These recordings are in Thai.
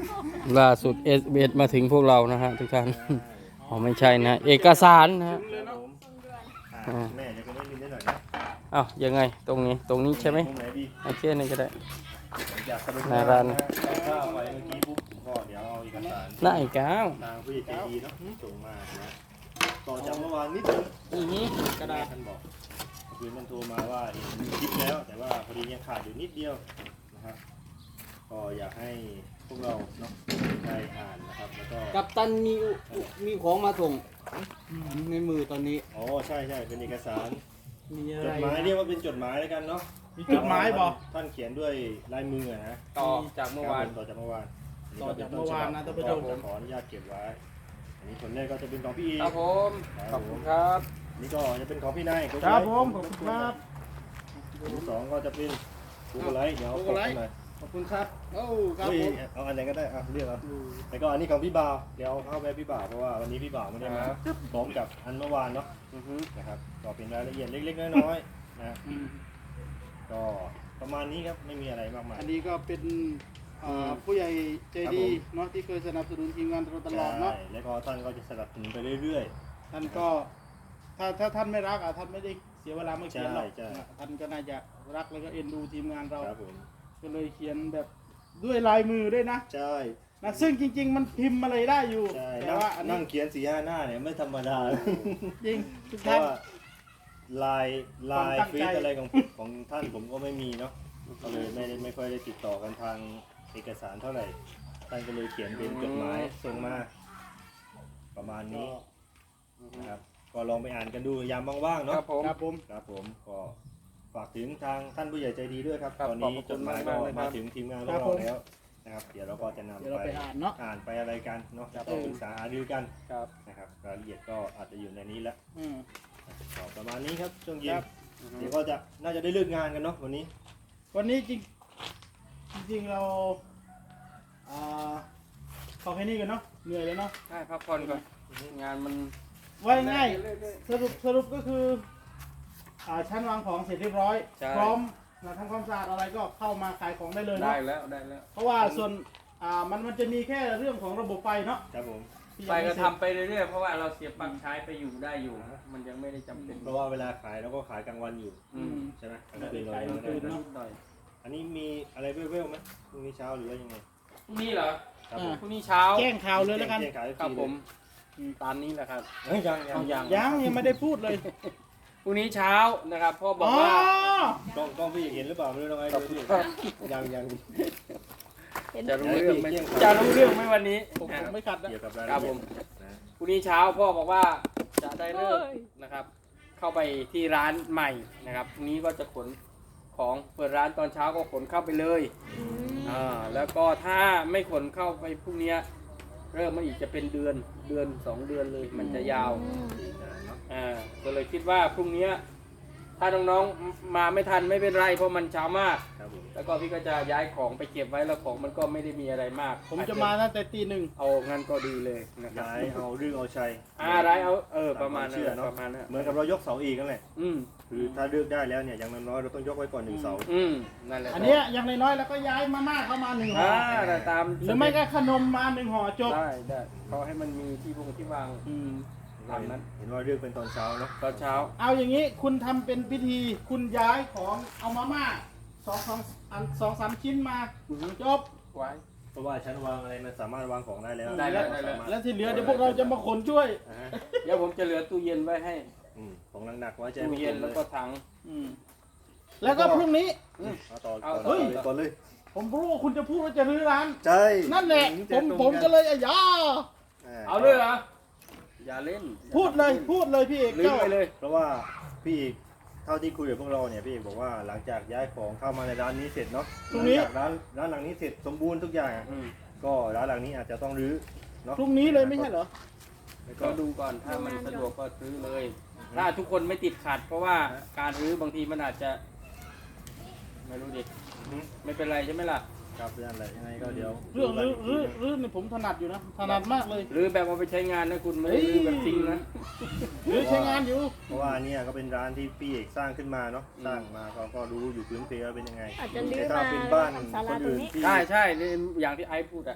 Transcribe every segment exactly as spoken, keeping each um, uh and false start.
ล่าสุดเอสเอสมาถึงพวกเรานะฮะทุกท่านอ๋อไม่ใช่นะเอกสารนะฮะครับผมอ่าแม่เดี๋ยวคุณได้ยินได้หน่อยนะอ้าวยังไงตรงนี้ตรงนี้ใช่ไหมตรงไหนดีโอเคนี่ก็ได้ผมอยากสรุปหน้าร้านนะข้าวไว้เมื่อกี้ปุ๊บผมก็เดี๋ยวเอาเอกสารได้อีก้าวทางผู้ใหญ่ใจดีเนาะส่งมานะต่อจากเมื่อวานนิดนึงอือฮึกระดาษท่านบอกคือมันโทรมาว่าเห็นคลิปแล้ว แต่ว่าพอดียังขาดอยู่นิดเดียวนะครับก็อยากให้พวกเราเนาะได้อ่านนะครับแล้วก็กัปตันมีอุมีของมาส่งในมือตอนนี้อ๋อใช่ใช่เป็นเอกสารมีอะจไรดหมายเรียกว่าเป็นจดหมายแล้วกันเนาะมีจดหมายบอกท่านเขียนด้วยลายมืออะนะต่อจากเมื่อวานต่อจากเมื่อวานต่อจากเมื่อวานนะท่านผู้ชมขออนุญาตเก็บไว้อันนี้ผลแรกก็จะเป็นของพี่อีครับผมขอบคุณครับนี่ก็จะเป็นของพี่นายครับผมขอบคุณครับอันที่สองก็จะเป็นกูกไลท์เดี๋ยวเอากดให้หน่อยขอบคุณครับโอ้ครับเฮ้ยผมเอาอันไหนก็ได้อ่ะเลือกเอาแล้วก็อันนี้ของพี่บ่าวเดี๋ยวเอาเข้าไปพี่บ่าวเพราะว่าวันนี้พี่บ่าวไม่ได้มาพร้อมกับอันเมื่อวานเนาะอือฮึนะครับก็เป็นรายละเอียดเล็กๆน้อยๆนะอืมก็ประมาณนี้ครับไม่มีอะไรมากมายอันนี้ก็เป็นอ่าผู้ใหญ่ใจดีเนาะที่เคยสนับสนุนทีมงานเราตลอดเนาะใช่แล้วก็ท่านก็จะสนับสนุนไปเรื่อยท่านก็ถ้าถ้าท่านไม่รักอ่ะท่านไม่ได้เสียเวลามาเขียนหรอกใช่ใช่ท่านก็น่าจะรักแล้วก็เอ็นดูทีมงานเราๆครับผมก็เลยเขียนแบบด้วยลายมือด้วยนะใช่นะซึ่งจริง ๆ มันพิมพ์อะไรได้อยู่ใช่แต่ว่าอันนั่นี้งเขียนสีห้าหน้าเนี่ยไม่ธรรมดาจริงทุกเพท่าราะนว่าลายลายความตั้งฟีใจดอะไรของของท่านผมก็ไม่มีเนาะก็เลยไม่ได้ไม่ค่อยได้ติดต่อกันทางเอกสารเท่าไหร่ท่านก็เลยเขียนเป็นจดหมายส่งมา ประมาณนี้นะครับก็ลองไปอ่านกันดูยามว่างๆคเนาะรับผมครับผมครับผมก็ฝากถึงทางท่านผู้ใหญ่ใจดีด้วยครับครับตอนนี้ขอบคุณจดหมายก็มากๆเลยครับมาถึงทีมงานของครับเราผมแล้วนะครับเดี๋ยวเราก็จะนำเดี๋ยวเราไปไปอ่านเนาะอ่านไปอะไรกันเนาะจะต้องปรึกษาหารือกันครับนะครับรายละเอียดก็อาจจะอยู่ในนี้แล้วอืมก็ประมาณนี้ครับช่วงเย็คน รับเดี๋ยวก็จะน่าจะได้เลิกงานกันเนาะวันนี้วันนี้จริงจริงๆเราอ่าขอแค่นี้กันเนาะเหนื่อยแล้วเนาะได้พักผ่อนก่อนงานมันว่าง่ายๆสรุปสรุปก็คืออ่าชั้นวางของเสร็จเรียบร้อยใช่พร้อมนะทำความสะอาดอะไรก็เข้ามาขายของได้เลยได้เนาะแล้วได้แล้วเพราะว่าส่วนอ่ามันมันจะมีแค่เรื่องของระบบไฟเนาะครับผมที่ไปยังก็ม่เสร็จทำไปเรื่อยๆเพราะว่าเราเสียบปลั๊กใช้ไปอยู่ได้อยู่ มันยังไม่ได้จำเป็นเพราะว่าเวลาขายเราก็ขายกลางวันอยู่อืมใช่ไหมกลางคืนขายกลางคืนเราเนาะนิดหน่อยอันนี้มีอะไรเว้ยๆไหมพรุ่งนี้เช้าหรือว่ายังไงพรุ่งนี้เหรอครับผมพรุ่งนี้เช้าแจ้งข่าวเลยแล้วกันแจ้งขายครับฟผรีมอืมตามนี้แหละครับเฮ้ยยังยังเอายังยังยังไม่ได้พูดเลยพรุ่งนี้เช้านะครับพ่อบอกอ๋อว่ากล้องกล้องพี่เห็นหรือเปล่าไม่รู้น้องไอ้ดูพี่ยังยังจะรู้เรื่องไหมเที่ยงจะรู้เรื่องไหมวันนี้ผมผมไม่ขัดนะเกี่ยวกับรายครัละบเอีผยดมนะพรุ่งนี้เช้าพ่อบอกว่าจะได้เลิกนะครับ เข้าไปที่ร้านใหม่นะครับพรุ่งนี้ก็จะขนของเปิดร้านตอนเช้าก็ขนเข้าไปเลยอ่าแล้วก็ถ้าไม่ขนเข้าไปพรุ่งนี้เริ่มมาอีกจะเป็นเดือนเดือนสองเดือนเลยมันจะยาวอ่าก็เลยคิดว่าพรุ่งนี้ถ้าน้องๆมาไม่ทันไม่เป็นไรเพราะมันเช้ามากครับผมแล้วก็พี่ก็จะย้ายของไปเก็บไว้แล้วของมันก็ไม่ได้มีอะไรมากผมจะมาตั้งแต่ตีหนึ่งเอางั้นก็ดีเลยนะครับย้ายเอาเรื่องเอาชัยอ่าไรเอาเออประมาณนั้นเชื่อเนาะประมาณนั้นเหมือนกับเรายกเสาอีกนั่นแหละอืมคือถ้าเลือกได้แล้วเนี่ยอย่างน้อยๆเราต้องยกไว้ก่อนหนึ่งเสาอืมนั่นแหละอันเนี้ยอย่างน้อยๆแล้วก็ย้ายมาม่าเข้ามาหนึ่งห่ออ่าแต่ตามหรือไม่ก็ขนมมาหนึ่งห่อจบได้ได้เขาให้มันมีที่วงที่วางอืมตามนั้นเห็นว่าเลือกเป็นตอนเช้าเนาะตอนเช้าเอาอย่างนี้คุณทำเป็นพิธีคุณย้ายของเอามาม่าสองสองอันสองสามชิ้นมาจบไว้เพราะว่าชั้นวางอะไรมันสามารถวางของได้แล้วได้แล้วได้แล้วสามารถแล้วที่เหลือเดี๋ยวพวกเราจะมาขนช่วยอ่าฮะเดี๋ยวผมจะเหลือตู้เย็นไว้ให้อืมของหนักๆไว้ใจตู้ไม่เย็นเลแล้วยก็ถังอืมแล้วก็พรุ่งนี้เอาต่อเอาต่อเฮ้ยเลยก่อนเลยผมรู้ว่าคุณจะพูดว่าจะรื้อร้านใช่นั่นแหละจะผมตรงผมก็เลยอ่ะยาเอาเลยเหรออย่าเล่นพูดเลยพูดเลยพี่เอกลืมเจ้าไปเลยเพราะว่าพี่เอกเท่าที่คุยกับพวกเราเนี่ยพี่เอกบอกว่าหลังจากย้ายของเข้ามาในร้านนี้เสร็จเนาะหลังจากร้านร้านหลังนี้เสร็จสมบูรณ์ทุกอย่างอืมก็ร้านหลังนี้อาจจะต้องรื้อเนาะพรุ่งนี้เลยไม่ใช่เหรอแล้วก็ก็ดูก่อนถ้ามันสะดวกก็ซื้อเลย ถ้าทุกคนไม่ติดขัด เพราะว่าการรื้อบางทีมันอาจจะ ไม่รู้ดิอือฮึไม่เป็นไรใช่ไหมล่ะครับนั่นแหละยังไงก็เดี๋ยวเรื่องรื้อรื้อรื้อนี่ผมถนัดอยู่นะถนัดมากเลยหรือแบบเอาไปใช้งานนะคุณไม่ได้รื้อแบบทิ้งนะรื้อใช้งานอยู่เพราะว่าเนี่ยก็เป็นร้านที่พี่เอกสร้างขึ้นมาเนาะสร้างมาเขาก็รู้อยู่พื้นเพว่าเป็นยังไงอาจจะลื้อแต่ถ้ามาเป็นบ้านทำศาคลาน ตรงอื่นนี้ที่ใช่ใช่นี่อย่างที่ไอซ์พูดอ่ะอ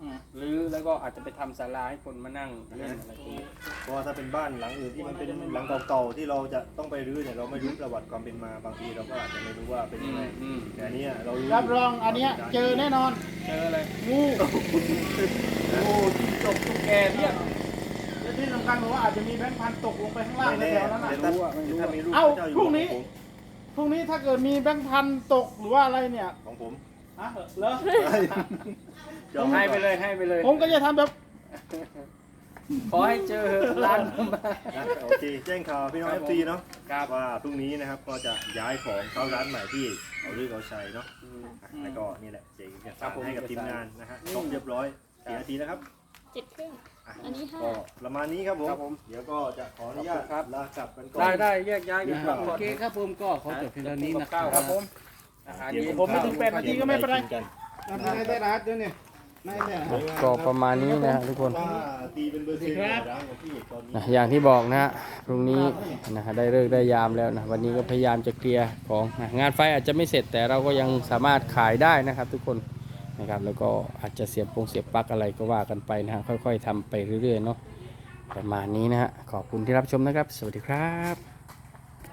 อืมหรือแล้วก็อาจจะไปทำศาลาให้คนมานั่งเล่นอะไรตรงนี้เพราะว่าถ้าเป็นบ้านหลังอื่นที่มันเป็นหลังเก่าๆที่เราจะต้องไปรื้อเนี่ยเราไม่รู้ประวัติความเป็นมาบางทีเราก็อาจจะไม่รู้ว่าเป็นยังไงอืมแต่อันเนี้ยเรารู้รับรองอันเนี้ยเจอแน่นอนเจออะไรงูโอ้จิ้งจกตุ๊กแกเพียบและที่สำคัญผมว่าอาจจะมีแบงค์พันตกลงไปข้างล่างไม่แถแน่วๆนั้นนะแต่ถ้าถ้ามีรูปเอ้าพระเจ้าอยู่พรุ่งหัวนี้ของผมพรุ่งนี้ถ้าเกิดมีแบงค์พันตกหรือว่าอะไรเนี่ยของผมฮะเหรอจองให้ว้ไปก่อนเลยให้ไปเลยผมก็จะทำแบบขอให้เจอร้านมานะโอเคแจ้งข่าวพี่น้องคเอรับฟผมซีเนาะครับว่าพรุ่งนี้นะครับก็จะย้ายของเข้าร้านใหม่ที่เอาลือเอาชัยเนาะอืมอ่ะแล้วก็นี่แหละเจ๊เอกครัสาบรผมให้กับเอกสารทีมงานนะฮะอืมครบเรียบร้อยครับกี่นาทีนะครับเจ็ดครึ่งอ่ะอันนี้ห้าก็ประมาณนี้ครับผมครับผมเดี๋ยวก็จะขออนุญาตครับลากลับกันก่อนได้ได้แยกย้ายกันกลับโอก่อนเคครับผมก็ขอจบเพียงเท่านี้นะคข้ารัวบครับผมอาหารเย็นผมไม่ถึงแปดนาทีก็ไม่เป็นไรกิกันนาทีในได้รัดเดี๋ยวนี้ในเนี่ยก็ประมาณนี้นะฮะทุกคนว่าตีเป็นเบอร์เซ็นต์ในร้านของพี่ตอนนี้นะอย่างที่บอกนะฮะพรุ่งนี้นะฮะได้เลิกษ์ได้ยามแล้วนะวันนี้ก็พยายามจะเคลียร์ของนะงานไฟอาจจะไม่เสร็จแต่เราก็ยังสามารถขายได้นะครับ ทุกคนนะครับแล้วก็อาจจะเสียบปงเสียบปลั๊กอะไรก็ว่ากันไปนะฮะค่อยๆทำไปเรื่อยๆเนาะประมาณนี้นะฮะขอบคุณที่รับชมนะครับ สวัสดีครับ